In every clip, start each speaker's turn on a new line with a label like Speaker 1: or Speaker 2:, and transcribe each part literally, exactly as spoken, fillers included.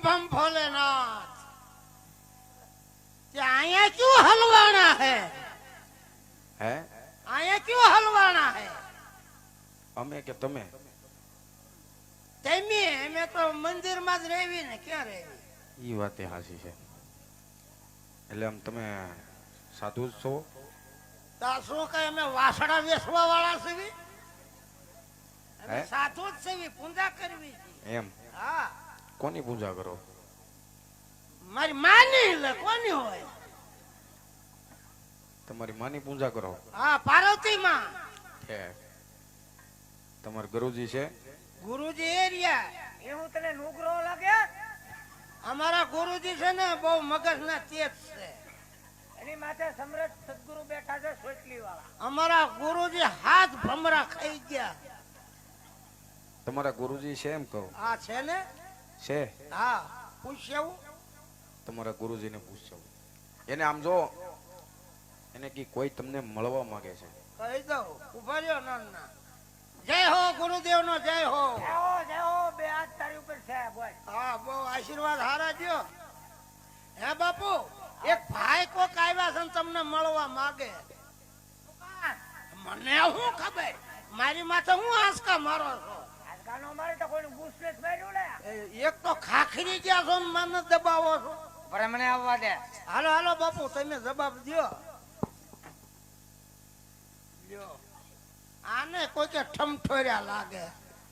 Speaker 1: बम भोलेनाथ। आया क्यों हलवाना है?
Speaker 2: है
Speaker 1: आया क्यों हलवाना है?
Speaker 2: અમે કે તમે?
Speaker 1: તેમી અમે તો મંદિર માં જ રહેવી ને, ક્યાં રહેવી?
Speaker 2: ઈ વાતે હાસી છે. એટલે આમ તમે સાધુ જ છો?
Speaker 1: તા શું કઈ અમે વાસડા વેસવા વાળા છીએ? અમે
Speaker 2: હે?
Speaker 1: સાધુ જ છીએ, પૂજા કરવી છે.
Speaker 2: એમ
Speaker 1: હા,
Speaker 2: કોની પૂજા કરો?
Speaker 1: મારી માની લે કોની હોય?
Speaker 2: તમારી માની પૂજા કરો?
Speaker 1: હા, પાર્વતી માં.
Speaker 2: છે તમારા ગુરુજી છે?
Speaker 1: ગુરુજી એરિયા
Speaker 3: એવું તને નુગરો લાગે?
Speaker 1: અમારા ગુરુજી છે ને બહુ મગજ ના તેજ છે.
Speaker 3: એની માથે સમરથ સદગુરુ બેઠા છે, સોટલી વાળા.
Speaker 1: અમારા ગુરુજી હાથ ભમરા ખાઈ ગયા.
Speaker 2: તમારા ગુરુજી છે એમ કહો?
Speaker 1: આ છે ને?
Speaker 2: છે.
Speaker 1: હા, પૂછ્યું?
Speaker 2: તમારા ગુરુજીને પૂછજો. એને આમ જો, એને કી કોઈ તમને મળવા માંગે છે.
Speaker 1: કહી દઉં, ઉભા રહ્યો નાના. જય હો ગુરુદેવ નો જય હો.
Speaker 3: જેવો જેવો બે હાથ તારી ઉપર છે બોલ.
Speaker 1: હા, બહુ આશીર્વાદ હારા દ્યો. હે બાપુ, એક ભાઈ કોક આવ્યા છે ને તમને મળવા માંગે. મને શું ખબર? મારી માથે હું આંસકા મારો છો?
Speaker 3: આજકાલનો મારે તો કોઈનું બુસલેસ માર્યું ને.
Speaker 1: એ- એક તો ખાખરી ગયા છો ને મને દબાવો છો.
Speaker 3: પર મને આવવા દે.
Speaker 1: હાલો હાલો બાપુ, તમે જવાબ દ્યો. લ્યો, આને કોઈ કે ઠમઠોર્યા લાગે.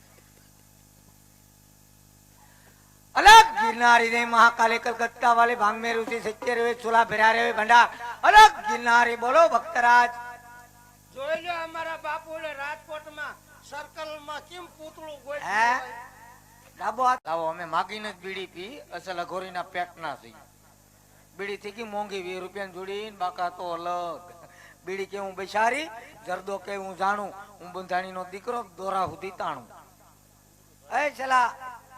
Speaker 3: अलग गिरनारी रे महाकाली कलकत्ता वाले भांग में रुचि सच्चे रे चूल्हा फिरा रे भंडार अलग गिरनारी बोलो भक्तराज.
Speaker 1: જોઈ લો અમારા બાપુ ને રાજકોટમાં સર્કલ માં કેમ પૂતળું
Speaker 3: હે?
Speaker 1: ગોઠવ્યું.
Speaker 3: લાવો હાથ લાવો. અમે માગીને જ બીડી પી, અસલ અઘોરીના પેટના છે. બીડી થઈ ગઈ મોંઘી, વીસ રૂપિયાની જોડી, બાકા તો અલગ. બીડી કે હું બેસારી, જરદો કે હું જાણું, હું બંધાણીનો દીકરો, દોરા સુધી તાણું. એ ચલા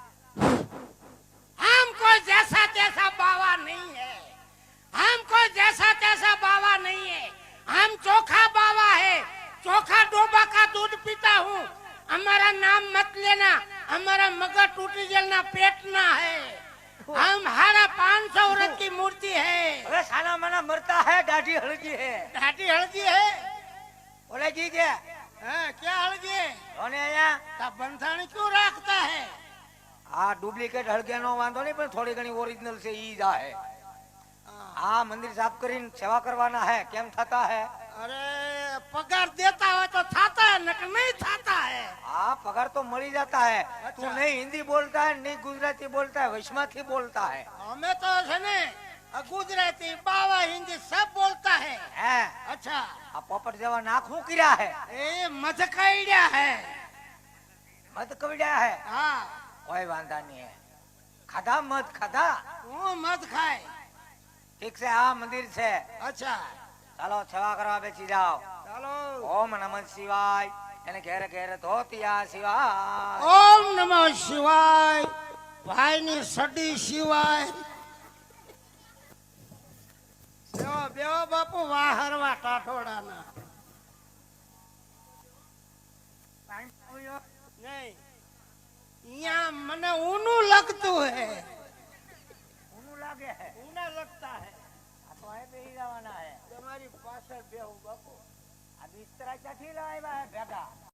Speaker 1: हमको जैसा तैसा बावा नहीं है, हमको जैसा तैसा बावा नहीं है, हम चोखा बावा है, चोखा डोबा का दूध पीता हूँ. हमारा नाम मत लेना, हमारा मगर टूटी जलना पेटना है. हम हारा पाँच सौ व्रत की मूर्ति है.
Speaker 3: अरे साना माना मरता है, दाढ़ी हल्की है.
Speaker 1: घाटी हल्दी है.
Speaker 3: बोले जी के
Speaker 1: हाँ, क्या हल्दी?
Speaker 3: કોને અહીંયા
Speaker 1: ता बंधानी क्यों रखता है?
Speaker 3: આ ડુપ્લિકેટ હળગિયાનો વાંધો નહીં, પણ થોડી ઘણી ઓરિજિનલ છે ઈ જ હે. આ મંદિર સાફ કરીને સેવા કરવાના है. કેમ થતા है?
Speaker 1: अरे पगार देता हो तो थाता है, नक नहीं थाता है.
Speaker 3: हाँ पगार तो मળી जाता है.
Speaker 1: अच्छा।
Speaker 3: तू नहीं हिंदी बोलता है, नहीं गुजराती बोलता है, वैष्णवથી बोलता है.
Speaker 1: हमें तो है ने गुजराती बावा हिंदी सब बोलता है.
Speaker 3: હે
Speaker 1: अच्छा,
Speaker 3: આ પોપટ જેવા નાક હું કર્યા है?
Speaker 1: ये मध कईड़ा है.
Speaker 3: મત કવડ્યા है.
Speaker 1: हाँ,
Speaker 3: કોઈ વાંધા નહીં है. ખાધા મત ખાધા?
Speaker 1: वो मध खाए.
Speaker 3: ઠીક છે, આ મંદિર છે.
Speaker 1: अच्छा,
Speaker 3: ચાલો સેવા કરવા બેસી જાઓ.
Speaker 1: चलो.
Speaker 3: ઓમ નમઃ શિવાય. એને ઘેર ઘેર ધોતિયા શિવાય.
Speaker 1: ओम नमः शिवाय. भाई ની સડી શિવાય. બેહો બેહો બાપુ, વાહરવા ટાઠોડાના. નહીં, यहाँ મને ऊनू लगતું है.
Speaker 3: ઊનું લાગે है.
Speaker 1: ऊना लगता है.
Speaker 3: આ તો અહીં બેસી જવાના है.
Speaker 1: તમારી પાછળ બેહું બાપુ.
Speaker 3: આ બિસ્તરા ક્યાંથી લાવ્યા હે ભેગા?